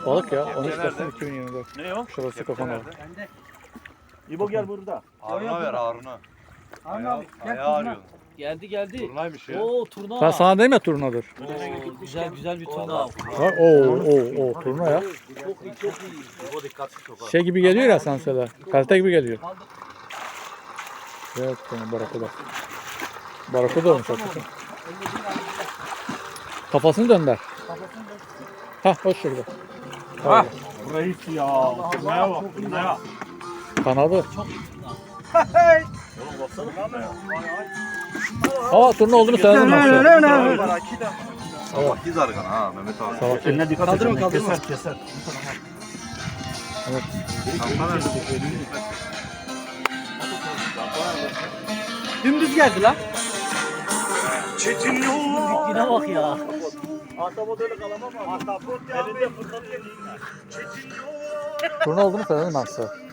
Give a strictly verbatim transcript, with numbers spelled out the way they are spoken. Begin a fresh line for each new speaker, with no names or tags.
Balık ya. on üç Kasım iki bin yirmi dört.
Ne o?
Şurası kafana.
İbo gel burada.
Harun'a ver Harun'a.
Harun abi gel
Ayağı
turna.
arıyorsun.
Geldi geldi.
Turnaymış ya.
Oo turna.
Ben sana diyeyim ya turnadır.
Oo, güzel güzel bir turna.
Bak oo oo oo turna ya.
Çok iyi çok iyi.
İbo dikkatli çok ha.
Şey gibi geliyor ya sen söyle. Kalite gibi geliyor. Evet tamam barakuda. Barakuda olmuş hakikaten. Kafasını dönder. Hah o şurada.
Ha. Burayı ya. Turnaya bak. Turnaya.
Kanadı.
Çok iyi turna.
Oğlum baksana.
Aa turna olduğunu söyledim ben size.
Sabah giz argan ha Mehmet abi.
Salak.
Eline dikkat et.
Kaldırma, kaldırma.
Keser keser.
Evet.
Dümdüz geldi lan.
Büyüklüğüne bak ya.
Ahtapot öyle kalamam ama. Ahtapot elinde fırlatıyor.
Turna olduğunu söyledim ben size.